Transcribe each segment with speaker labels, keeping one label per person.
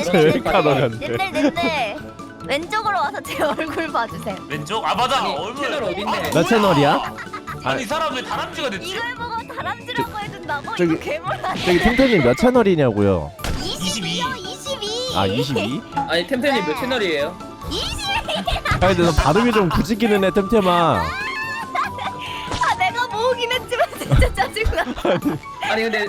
Speaker 1: 셀카 넣었는데.
Speaker 2: 넷네 왼쪽으로 와서 제 얼굴 봐주세요.
Speaker 3: 왼쪽? 아 맞아
Speaker 4: 아니,
Speaker 3: 얼굴
Speaker 4: 채널 어딨네?
Speaker 1: 몇 채널이야?
Speaker 3: 아니 이 사람 왜 다람쥐가 됐지?
Speaker 2: 이걸 보고 다람쥐라고 해준다고?
Speaker 1: 저기-
Speaker 2: 이거 괴물아.
Speaker 1: 저기 템템님 몇 채널이냐고요?
Speaker 2: 22요 22.
Speaker 1: 아 22?
Speaker 4: 아니 템템님 몇 채널이에요?
Speaker 2: 20.
Speaker 1: 아니 근데 너 발음이 좀 굳이기는 해 템템아.
Speaker 2: 아 내가 모으긴 했지만 진짜 짜증나.
Speaker 4: 아니 근데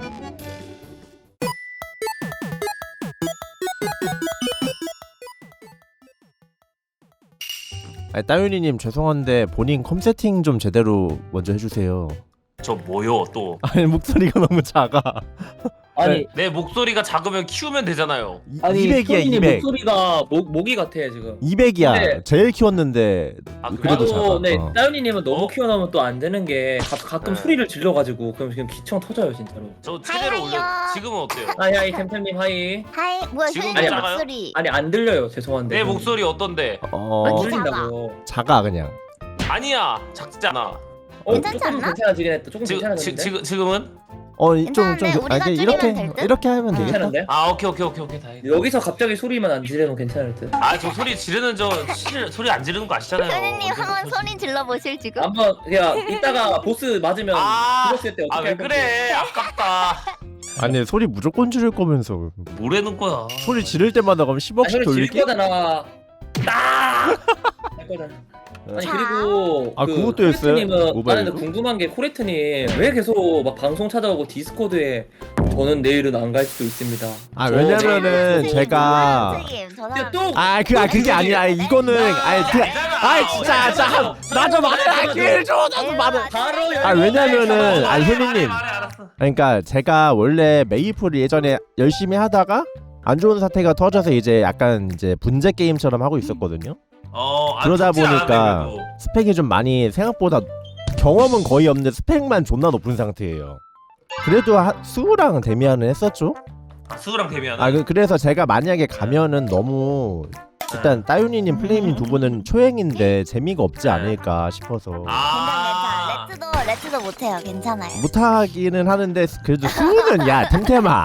Speaker 1: 아니 따윤이님 죄송한데 본인 컴 세팅 좀 제대로 먼저 해주세요.
Speaker 3: 저 뭐요 또?
Speaker 1: 아니 목소리가 너무 작아.
Speaker 4: 아니
Speaker 3: 내 목소리가 작으면 키우면 되잖아요.
Speaker 4: 아니
Speaker 1: 200이야
Speaker 4: 소진이
Speaker 1: 200.
Speaker 4: 목소리가 모기 같아 지금.
Speaker 1: 200이야.
Speaker 4: 근데-
Speaker 1: 제일 키웠는데
Speaker 3: 아,
Speaker 1: 그래도 작아.
Speaker 4: 나도 네
Speaker 1: 어.
Speaker 4: 따윤이님은 너무 키워놓으면 또 안 되는 게 가끔
Speaker 3: 네.
Speaker 4: 소리를 질러가지고 그럼 지금 기청 터져요 진짜로.
Speaker 3: 저 최대로 올려.
Speaker 2: 하이하이요.
Speaker 3: 지금은 어때요?
Speaker 4: 하이 템템님 하이.
Speaker 2: 하이 뭐야
Speaker 3: 지금
Speaker 2: 휴대폰
Speaker 3: 작아요?
Speaker 2: 목소리.
Speaker 4: 아니 안 들려요 죄송한데.
Speaker 3: 내 목소리 어떤데?
Speaker 4: 안
Speaker 2: 어디
Speaker 4: 들린다고.
Speaker 1: 작아 그냥.
Speaker 3: 아니야 작지 않아.
Speaker 2: 괜찮지
Speaker 4: 조금
Speaker 2: 않나?
Speaker 4: 괜찮아지긴 했다. 조금
Speaker 3: 지금
Speaker 4: 괜찮아졌는데.
Speaker 3: 지금은?
Speaker 2: 괜찮은데 우리가 줄이면 될 듯?
Speaker 1: 이렇게 하면 되겠다.
Speaker 4: 괜찮은데?
Speaker 3: 아 오케이 다행이다.
Speaker 4: 여기서 갑자기 소리만 안 지르면 괜찮을 듯.
Speaker 3: 아 저 소리 지르는 소리 안 지르는 거 아시잖아요.
Speaker 2: 현우님 한번 소리 질러 보실 지금.
Speaker 4: 한번 그냥 이따가 보스 맞으면 죽었을 때 어떻게
Speaker 3: 아 왜
Speaker 4: 할 건지.
Speaker 3: 그래 아깝다.
Speaker 1: 아니 소리 무조건 지를 거면서
Speaker 3: 뭐라는 거야?
Speaker 1: 소리 지를 때마다 그럼
Speaker 4: 아,
Speaker 1: 10억씩
Speaker 4: 소리 지를
Speaker 1: 돌리기?
Speaker 4: 거잖아. 할 거잖아. 아니 그리고
Speaker 1: 아, 그것도 했어요?
Speaker 4: 코레트님은 나는
Speaker 1: 모바일로?
Speaker 4: 궁금한 게 코레트님 왜 계속 막 방송 찾아오고 디스코드에 저는 내일은 안 갈 수도 있습니다.
Speaker 1: 아
Speaker 4: 저
Speaker 1: 왜냐면은 제가
Speaker 2: 선생님 저
Speaker 4: 근데
Speaker 2: 사람.
Speaker 4: 또
Speaker 1: 그게 아니라 이거는 진짜 나 좀 말해 기회를 줘 나도 말해.
Speaker 4: 바로
Speaker 1: 왜냐면은 효리님
Speaker 3: 말해 알았어.
Speaker 1: 그러니까 제가 원래 메이플을 예전에 열심히 하다가 안 좋은 사태가 터져서 이제 약간 이제 분재 게임처럼 하고 있었거든요. 그러다 보니까 스펙이 좀 많이 생각보다 경험은 거의 없는데 스펙만 존나 높은 상태예요. 그래도 수우랑 데미안은 했었죠.
Speaker 3: 수우랑 데미안.
Speaker 1: 그래서 제가 만약에 가면은 너무 일단 따윤이님 플레이님 두 분은 초행인데 재미가 없지 않을까 싶어서
Speaker 2: 괜찮아. 레츠도 못해요. 괜찮아요.
Speaker 1: 못하기는 하는데 그래도 수우는 야 템템아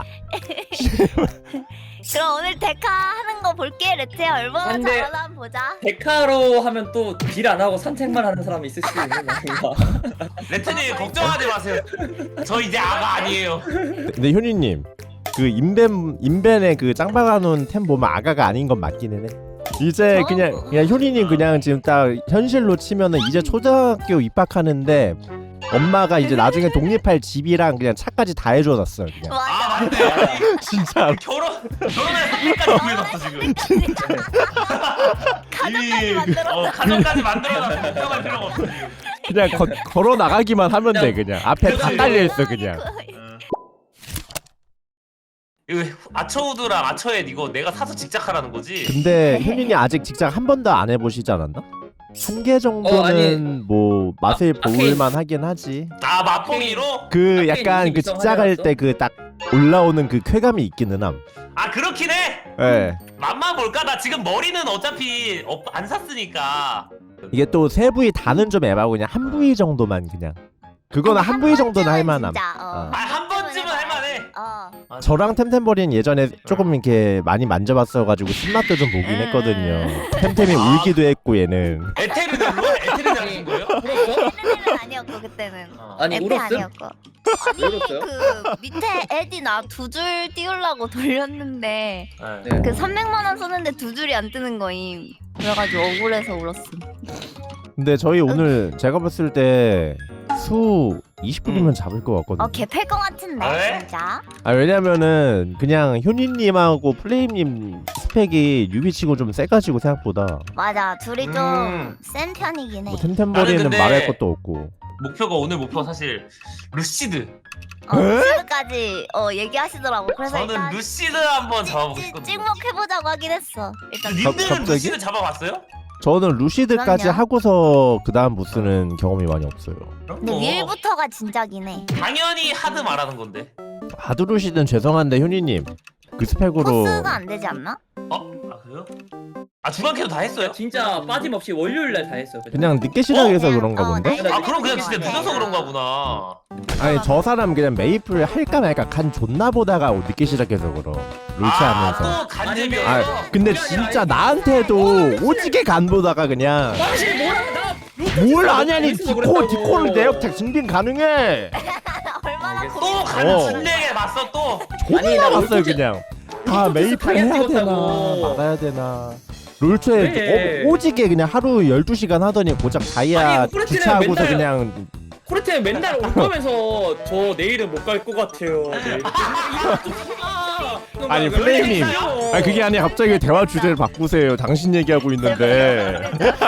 Speaker 2: 그럼 오늘 데카 하는 거 볼게. 레츠야 얼마나
Speaker 4: 근데-
Speaker 2: 잘하나 한번 보자.
Speaker 4: 데카로 하면 또 딜 안 하고 산책만 하는 사람이 있을 수도 있는 건가?
Speaker 3: 레트님 걱정하지 마세요. 저 이제 아가 아니에요.
Speaker 1: 근데 효니님 그 인벤에 그 짱박아놓은 템 보면 아가가 아닌 건 맞기는 해. 이제 그냥 효니님 그냥 지금 딱 현실로 치면은 이제 초등학교 입학하는데 엄마가 이제 나중에 독립할 집이랑 그냥 차까지 다 해줘놨어 그냥.
Speaker 2: 맞아.
Speaker 3: 맞네.
Speaker 1: 진짜
Speaker 3: 결혼할 상태까지 구해놨어 지금.
Speaker 2: 가족까지 만들었어.
Speaker 3: 가정까지 만들어놨어. 걱정할 필요가 없어 지금.
Speaker 1: 그냥 걸어 나가기만 하면 돼 그냥 앞에 다 딸려 있어 그냥.
Speaker 3: 이거 아처우드랑 아처엣 이거 내가 사서 직작하라는 거지?
Speaker 1: 근데 효니님 아직 직장 한 번도 안 해보시지 않았나? 한 개 정도는
Speaker 4: 아니.
Speaker 1: 뭐 맛을
Speaker 4: 아케인.
Speaker 1: 볼만 하긴 하지.
Speaker 3: 아 맛보기로?
Speaker 1: 그
Speaker 4: 아케인
Speaker 1: 약간 그
Speaker 4: 22성
Speaker 1: 직장할
Speaker 4: 하려놨어?
Speaker 1: 때 그 딱 올라오는 그 쾌감이 있기는 함.
Speaker 3: 아 그렇긴 해!
Speaker 1: 예.
Speaker 3: 맘만 볼까? 나 지금 머리는 어차피 안 샀으니까.
Speaker 1: 이게 또 세 부위 다는 좀 애매하고 그냥 한 부위 정도만 그냥. 그거는 한 부위 정도는 할 만함.
Speaker 2: 진짜,
Speaker 3: 한 번쯤은 할만해.
Speaker 1: 저랑 템템버리는 예전에 조금 이렇게 많이 만져봤어가지고 신맛도 좀 보긴 했거든요. 템템이 울기도 했고 얘는.
Speaker 3: 에테르넬로? 에테르넬 한 거예요?
Speaker 4: 울었어?
Speaker 2: 에테는 아니었고 그때는.
Speaker 4: 아니
Speaker 2: 에테
Speaker 4: 울었음?
Speaker 2: 아니었고.
Speaker 4: 울었어요?
Speaker 2: 그 밑에 에디 나 두 줄 띄우려고 돌렸는데
Speaker 4: 네.
Speaker 2: 그 300만 원 썼는데 두 줄이 안 뜨는 거임. 그래가지고 억울해서 울었음.
Speaker 1: 근데 저희 오늘 제가 봤을 때 수 20분이면 잡을 것 같거든요.
Speaker 2: 개팰 것 같은데
Speaker 3: 아, 왜?
Speaker 2: 진짜.
Speaker 1: 왜냐면은 그냥 효니님하고 플레임님 스펙이 유비치고 좀 세가지고 생각보다
Speaker 2: 맞아 둘이 좀 센 편이긴 해.
Speaker 1: 뭐 템템버리는
Speaker 3: 나는 근데-
Speaker 1: 말할 것도 없고.
Speaker 3: 오늘 목표가 사실 루시드.
Speaker 2: 루시드까지 얘기하시더라고. 그래서
Speaker 3: 저는
Speaker 2: 일단
Speaker 3: 루시드 한번 잡아보고 싶거든요.
Speaker 2: 찍먹해보자고 하긴 했어. 일단
Speaker 3: 님들은
Speaker 1: 갑자기?
Speaker 3: 루시드 잡아봤어요?
Speaker 1: 저는 루시드까지
Speaker 2: 그럼요.
Speaker 1: 하고서 그 다음 보스는 경험이 많이 없어요.
Speaker 2: 근데 윌부터가 진짜긴 해.
Speaker 3: 당연히 하드 말하는 건데.
Speaker 1: 하드루시든 죄송한데 효니님 그 스펙으로
Speaker 2: 코스가 안 되지 않나?
Speaker 3: 아 그래요? 아 주간캐도 다 했어요?
Speaker 4: 진짜 빠짐없이 월요일날 다 했어요.
Speaker 1: 그냥 늦게 시작해서 그런가
Speaker 2: 어,
Speaker 1: 본데?
Speaker 2: 나이가
Speaker 3: 아 그럼 그냥 진짜
Speaker 2: 늦게
Speaker 3: 늦어서
Speaker 2: 시작해.
Speaker 3: 그런가 보나.
Speaker 1: 아니 저 사람 그냥 메이플 할까 말까 간 존나 보다가 늦게 시작해서 그럼 롤치하면서.
Speaker 3: 아또 간접이었어.
Speaker 1: 아 근데 진짜 나한테도 오지게 간 보다가 그냥
Speaker 4: 당신 뭐라
Speaker 1: 뭘 아냐니 디코를 내역택 증빙 가능해.
Speaker 2: 얼마나
Speaker 4: 알겠어.
Speaker 3: 또
Speaker 1: 어.
Speaker 3: 간신내게 봤어 또.
Speaker 4: 아니,
Speaker 1: 존나
Speaker 4: 나
Speaker 1: 봤어요
Speaker 4: 롤토
Speaker 1: 그냥. 아 메이플
Speaker 4: 당연히
Speaker 1: 해야 되나
Speaker 4: 찍었다고.
Speaker 1: 말아야 되나. 롤초에
Speaker 4: 그래.
Speaker 1: 오지게 그냥 하루 12시간 하더니 고작 다이아
Speaker 4: 아니, 프로틴은
Speaker 1: 주차하고서
Speaker 4: 맨날-
Speaker 1: 그냥
Speaker 4: 코레트는 맨날 올 거면서 저 내일은 못 갈 것 같아요. 내일.
Speaker 1: 아니 플레이님 아니 그게 아니 갑자기 대화 주제를 바꾸세요. 당신 얘기하고 있는데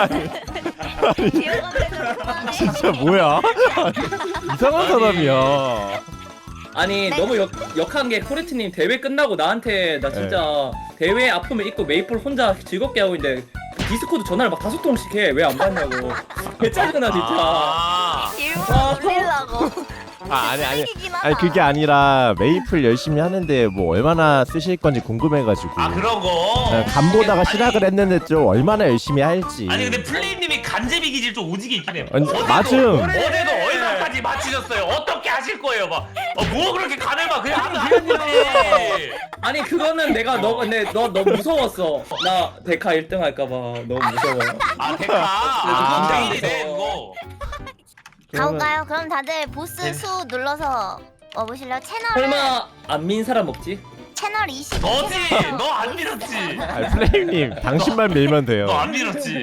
Speaker 1: 진짜 뭐야 이상한 사람이야.
Speaker 4: 아니
Speaker 2: 네.
Speaker 4: 너무 역한 게 코레트님 대회 끝나고 나한테 나 진짜 대회 아픔을 잊고 메이플 혼자 즐겁게 하고 있는데 디스코드 전화를 막 5통씩 해. 왜 안 받냐고. 개 짜증나 진짜.
Speaker 3: 아.
Speaker 2: 일부러 올리려고.
Speaker 1: 아니 그게 아니라 메이플 열심히 하는데 뭐 얼마나 쓰실 건지 궁금해가지고
Speaker 3: 아 그런 거.
Speaker 1: 간 보다가
Speaker 3: 아니,
Speaker 1: 시작을 했는데 좀 얼마나 열심히 할지.
Speaker 3: 아니 근데 플레임님이 간제비 기질 좀 오지게 있긴 해요.
Speaker 1: 아니, 맞음.
Speaker 3: 어제도 얼마까지 맞히셨어요? 어떻게 하실 거예요? 뭐 그렇게 간을 막 그냥 하면 되지.
Speaker 4: 아니 그거는 내가 너 근데 너 너무 무서웠어. 나 데카 1등 할까봐 너무 무서워.
Speaker 3: 아 데카.
Speaker 4: 아,
Speaker 3: 긴장이네 그거.
Speaker 2: 가볼까요? 그럼 다들
Speaker 3: 네.
Speaker 2: 보스 수 눌러서 와보실래요? 채널을
Speaker 4: 설마 안 민 사람 없지?
Speaker 2: 채널 20.
Speaker 3: 너지. 너 안 밀었지.
Speaker 1: 아니, 플레임님 당신만 밀면 돼요.
Speaker 3: 너 안 밀었지.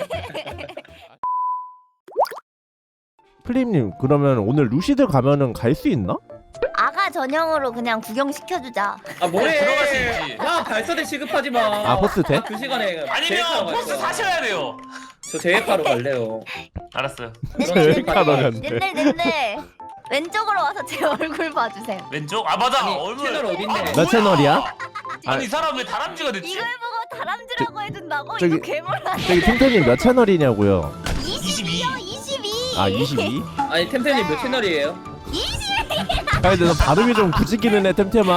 Speaker 1: 플레임님 그러면 오늘 루시드 가면은 갈 수 있나?
Speaker 2: 아가 전용으로 그냥 구경 시켜주자.
Speaker 4: 아 뭐래?
Speaker 3: 들어갈 수 있지.
Speaker 4: 야 발사대 취급하지 마.
Speaker 1: 아, 포스 돼?
Speaker 4: 그 시간에
Speaker 3: 아니면
Speaker 4: 제이카로 갈
Speaker 3: 포스
Speaker 4: 거야.
Speaker 3: 사셔야 돼요.
Speaker 4: 저 제이카로 갈래요.
Speaker 3: 알았어요.
Speaker 1: 셀카로 간대.
Speaker 2: 넷넷넷넷 왼쪽으로 와서 제 얼굴 봐주세요.
Speaker 3: 왼쪽? 아 맞아.
Speaker 4: 아니,
Speaker 3: 얼굴.
Speaker 4: 채널 어딨네?
Speaker 3: 아,
Speaker 1: 몇
Speaker 3: 뭐야?
Speaker 1: 채널이야?
Speaker 3: 아니 이 사람 왜 다람쥐가 됐지?
Speaker 2: 이걸 보고 다람쥐라고 해준다고?
Speaker 1: 저기-
Speaker 2: 이거 괴물아.
Speaker 1: 저기 템템님 몇 채널이냐고요?
Speaker 2: 22요 22.
Speaker 1: 아 22?
Speaker 4: 아니 템템님 몇 채널이에요?
Speaker 2: 20.
Speaker 1: 아니 근데 너 발음이 좀 굳이기는 해 템템아.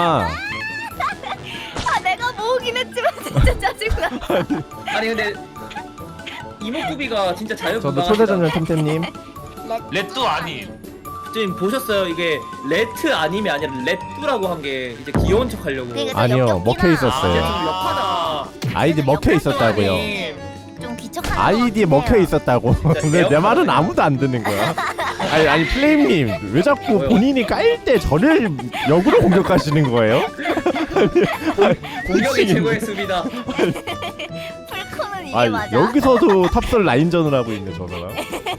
Speaker 2: 아 내가 모으긴 했지만 진짜 짜증나.
Speaker 4: 아니 근데 이목구비가 진짜
Speaker 1: 저도
Speaker 4: 자유분방하시다.
Speaker 1: 초대전용 템템님.
Speaker 3: 렛도 아님.
Speaker 4: 지금 보셨어요? 이게 레트 아님이 아니라 레뚜라고 한 게 이제 귀여운 척 하려고.
Speaker 2: 그러니까
Speaker 1: 아니요,
Speaker 2: 역겹긴
Speaker 1: 먹혀
Speaker 2: 하다.
Speaker 1: 있었어요.
Speaker 4: 이게 좀 역하다.
Speaker 1: 아이디 먹혀 있었다고요.
Speaker 4: 아니,
Speaker 2: 좀 귀척한 것
Speaker 1: 아이디에
Speaker 2: 같긴
Speaker 1: 먹혀
Speaker 2: 해요.
Speaker 1: 있었다고. 왜 내 말은 아무도 안 듣는 거야? 아니 플레임님 왜 자꾸
Speaker 4: 뭐요?
Speaker 1: 본인이 깔 때 저를 역으로 공격하시는 거예요?
Speaker 4: 공격이 최고의 수비다.
Speaker 2: 풀코는 이게
Speaker 1: 아
Speaker 2: 맞아.
Speaker 1: 여기서도 탑설 라인전을 하고 있네 저 사람.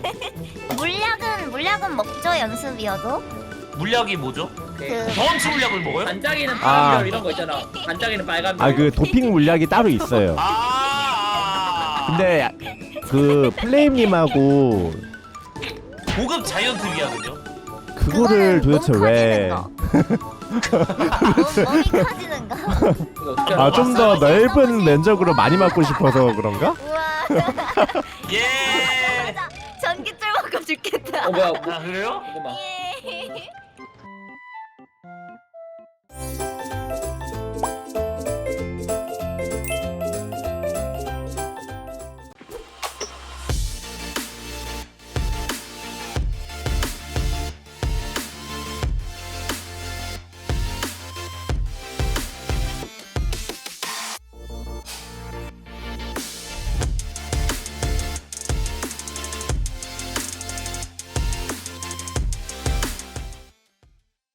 Speaker 2: 물약은 먹죠 연습이어도.
Speaker 3: 물약이 뭐죠?
Speaker 2: 그
Speaker 3: 경험치 물약을 먹어요?
Speaker 4: 반짝이는
Speaker 1: 아.
Speaker 4: 파란별 이런 거 있잖아. 반짝이는 빨간별.
Speaker 1: 아 그 도핑 물약이 따로 있어요. 근데 그 플레임님하고
Speaker 3: 고급 자이언트 위약은요?
Speaker 1: 그거를 도대체 왜?
Speaker 2: 몸이 커지는 거.
Speaker 4: 이거 어떻게
Speaker 1: 아
Speaker 4: 알아?
Speaker 1: 좀 더 넓은 면적으로 많이 맞고 싶어서 그런가?
Speaker 2: 우와.
Speaker 3: 예.
Speaker 2: 맞아. 전기줄 먹고 죽겠다.
Speaker 4: 뭐야?
Speaker 3: 아 그래요?
Speaker 4: 잠깐만.
Speaker 2: 예.